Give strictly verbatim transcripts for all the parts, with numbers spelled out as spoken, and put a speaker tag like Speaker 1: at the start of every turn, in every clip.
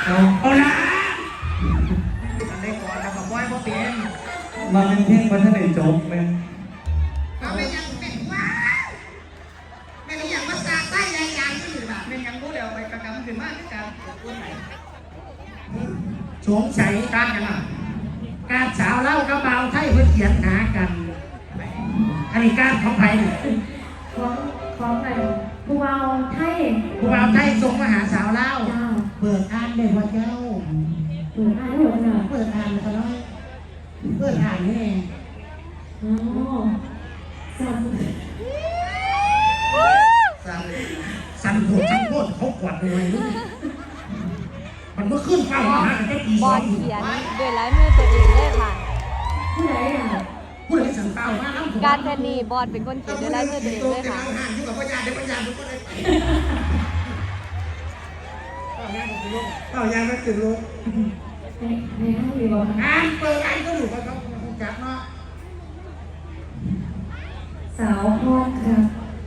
Speaker 1: เอา
Speaker 2: เอาละ
Speaker 1: อันได้ก่อนแล้วก็บอยบ่เปลี่ยน
Speaker 2: มาเป็นเพียงวันท่านได้จบไหม
Speaker 1: เอาไปยังเป็นว้าไม่ได้ยังมาสาใต้แรงยางที่อยู่แบบเป็นยังรู้แล้วไปกระกำขึ้นมากที่การพูดไหนสงสัยการกันอ่ะการสาวเล่ากระเบาไทยเพื่อเขียนหากันอันนี้การของไทย
Speaker 3: ของของอะไรผู้เบาไทย
Speaker 1: ผู้เบาไทยส่งมาหาสาวเล่าเปิดอ่านเลยว่าเจ้า
Speaker 3: เปิดอ่านได้หมดเลย
Speaker 1: เปิดอ่านแล้วก็น้อยเปิดอ่านนี่เอง
Speaker 3: อ๋อสั่น
Speaker 1: สั่นสั่นโผล่สั่นโผล่เขากวาดเลยมันเมื่อขึ้นฟ้ามาหากันได้กี่
Speaker 4: บ
Speaker 1: สอ
Speaker 4: อง ลเขียนด้วยลายมือตัวเองเลยค่ะ
Speaker 3: ผู้ใดอ่ะ
Speaker 1: ผู้ใดสั่งเต้ามาแล้ว
Speaker 4: การแทนนี่บอลเป็นคนเขียนด้วยลายมือตัวเองเลยค่ะ
Speaker 1: ห่างอยู่กับพญาเดี๋ยวพญามันก็ได้ไปเต้ายางมันถึงลง
Speaker 3: ในในห้องอยู่บ่
Speaker 1: อ่านเปิดอ่านก็อยู่กับเขาจับเนาะ
Speaker 3: สาวพอดครับ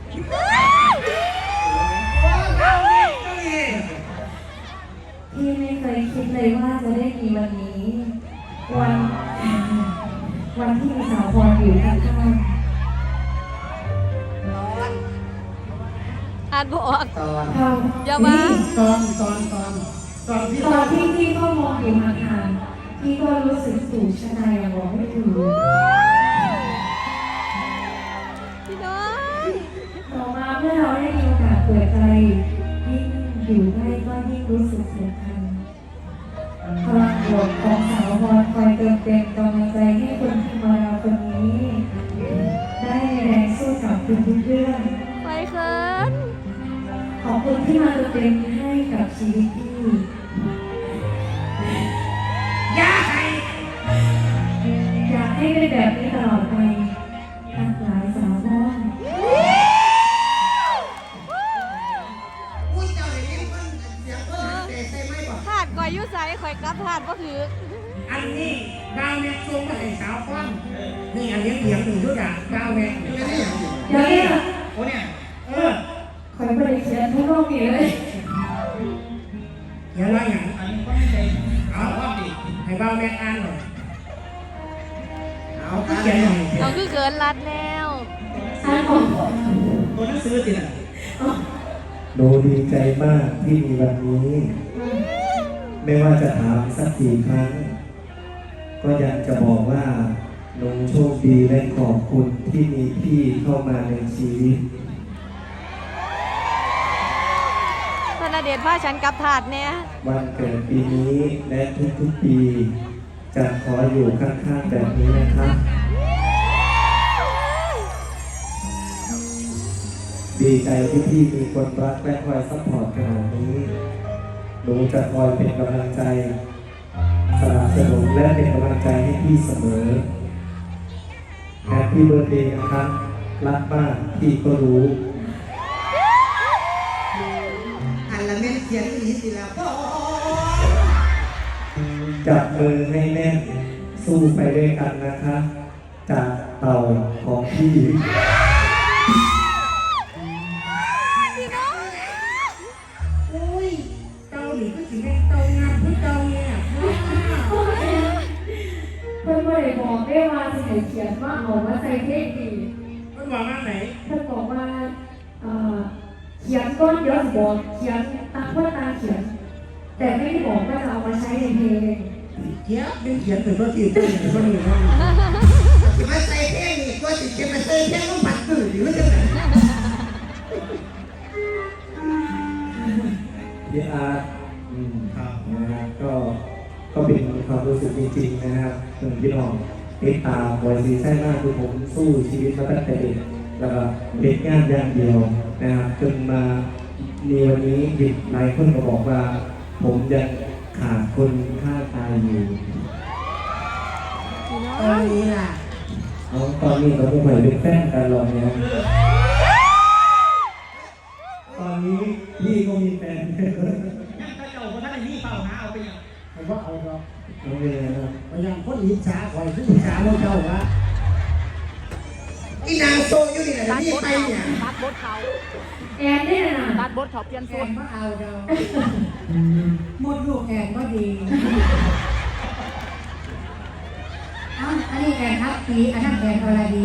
Speaker 3: พี่ไม่เคยคิดเลยว่าจะได้มีวันนี้วันวันที่มีสาวพรอยู่ข้าง
Speaker 4: ๆอ่านบออก
Speaker 1: ตอน
Speaker 4: อย่ามา
Speaker 1: ตอนตอนตอนตอนที่
Speaker 3: ตอนที่พี่ก็มองอยู่ห่างๆพี่ก็รู้สึกสูงชะตาอย่างบอกไม่ถูก
Speaker 4: พี่น้อง
Speaker 3: ต่อมาเมื่อเราได้มีโอกาสเปิดใจยิ่งอยู่ใกล้ก็ยิ่งรู้สึกสำคัญพลังบวกของสาวพรคอยเติมเต็มกำลังใจให้คนที่มาเราคนนี้ได้แรงสู้กับทุกเรื่อง
Speaker 4: ไปเขิน
Speaker 3: ขอบคุณที่มาเติมเต็มให้กับชีวิตพี่
Speaker 1: อยากให้
Speaker 3: อยากให้เป็นแบบนี้ตลอดไปทั้งหลายสาวพร
Speaker 4: ถาดก่อยยุ่ใส่ข่อยกลับถาดก็ถือ
Speaker 1: อันนี้ดาวแม็กซ์ส่งมาให้สาวฟังนี่อันนี้เสียงหนึ่งทุกอย่างดาวแม็กซ์ไม่ได้อย่างอื่น
Speaker 3: เดี๋ยวนี้
Speaker 1: โอ้เนี่ยเออ
Speaker 3: คอยบริเขียนทุกโลกนี้เลย
Speaker 1: อย่าว่าอย่างอันนี้ก็ไม่ใช่เอาว่าดิให้ดาวแม็กซ์อ่านหน่อยเอาเขียนหน่อย
Speaker 4: เราคือเกินรัดแล้ว
Speaker 3: อ่านของ
Speaker 1: ตัวหนังสือสิน่ะ
Speaker 2: หนูดีใจมากที่มีวันนี้ไม่ว่าจะถามสักกี่ครั้งก็ยังจะบอกว่าหนูโชคดีและขอบคุณที่มีพี่เข้ามาในชีวิต
Speaker 4: ธนเดชพาฉันกลับถาดเนี่ย
Speaker 2: วันเกิดปีนี้และทุกๆปีจะขออยู่ข้างๆแบบนี้นะครับดีใจที่พี่มีคนรักและคอยซัพพอร์ตขนาดนี้หนูจะคอยเป็นกำลังใจสนับสนุนและเป็นกำลังใจให้พี่เสมอแฮปปี้เบิร์ธเดย์นะครับรักมากพี่ก็รู้
Speaker 1: อันละเม็ดเขียนนี้สิแล้วก็
Speaker 2: จับมือให้แน่นสู้ไปด้วยกันนะคะจากเต่าของพี่
Speaker 3: เพื่อนไม่ได้บอกได้ว่าจะให้เขียนว่าเอามาใส่เทคดี
Speaker 1: เพื่อนบอกว่าไหน
Speaker 3: เพื่อนบอกว่าเขียนก้อนเยอะบอกเขียนตาเพื่อนตาเขียนแต่ไม่ได้บอกว่าจะเอามาใช้ในเพลง
Speaker 1: เขียนดึงเขียนเป็นตัวที่ตัวหนึ่งตัวหนึ่งจะมาใส่เพลงนี่ตัวที่จะมาใส่เพลงต้องปัดตื่นหรือว่าจะไหน
Speaker 2: พี่อาร์ตนะครับก็ก็เป็นความรู้สึกจริงๆนะครับถึงพี่น้องติดตามบอยซีใช่มากคือผมสู้ชีวิตมาตั้งแต่เด็กแล้วก็เด็กงานอย่างเดียวนะครับจนมาในวันนี้เด็กหลายคนก็บอกว่าผมยังขาดคนข้างกายอยู่
Speaker 1: ตอนนี้ล่ะ
Speaker 2: ตอนนี้เราไม่ไหวเป็นแฟนกันหรอกเนี่ยตอนนี้พี่ก็มีแฟน
Speaker 1: ยังถ้าเจ้าคนนั้นนี่เปล่าหาเอาไปยังผมว่าเอาครับ
Speaker 2: เอาเลยครับ
Speaker 1: พยายามคนอิจฉาคอยผู้อิจฉาโมเจ้าวะอีนางโซอยู่นี่แหละนี่ไปเนี่ย
Speaker 4: บักบดเขา
Speaker 3: แอนได้น่ะ
Speaker 4: ตัดบทเขาเปลี่ยน
Speaker 1: แอ
Speaker 4: สูต
Speaker 1: น
Speaker 4: ร
Speaker 1: ก็เอาเด้อหมดลูกแอนก็ดีเอ้าอันนี้แอนทับปีอันนั้นแอนอรดี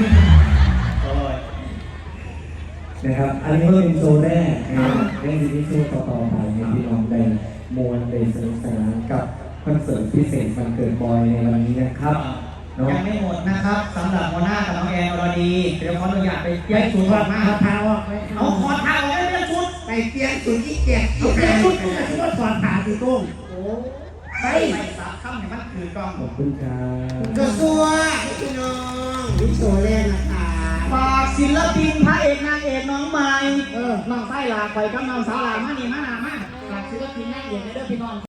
Speaker 2: นะครับอันนี้ก็เป็นโชว์แรกนะครับยังจะมีโชว์ต่อๆไปในพี่น้องได้มวลได้สนุกสนานกับคอนเสิร์ตพิเศษวันเกิดบอยในวันนี้นะครับเนาะ
Speaker 5: ยังไม่หมดนะครับสำหรับโมนากับน้องแอนอรดีเดี๋ยวขออนุญาตไปเปลี่ยนชุดก่อนมา
Speaker 1: เอาเท้าออกไป
Speaker 5: เอาคอเท้าไม่เปลี่ยนชุด
Speaker 1: ไปเปลี่ยนสุดที่เกียรติเอาเปลี่ยนสุดกูจะคิดว่าถอดขาสีโก้ง
Speaker 5: โอ้ไปไปสับข้ามเนี่ยมันคือกล้อง
Speaker 2: ขอบคุณครับ
Speaker 1: กระซัวพี่น้องวิโชว์แรกนะคะ
Speaker 5: ฝากศิลปินพระเอกนางเอกน้องใหม่
Speaker 1: เออ
Speaker 5: น้องไส้ลาคอยกับน้องสาวลามานี่มานามาฝากศิลปินนางเอกในเด้อพี่น้อง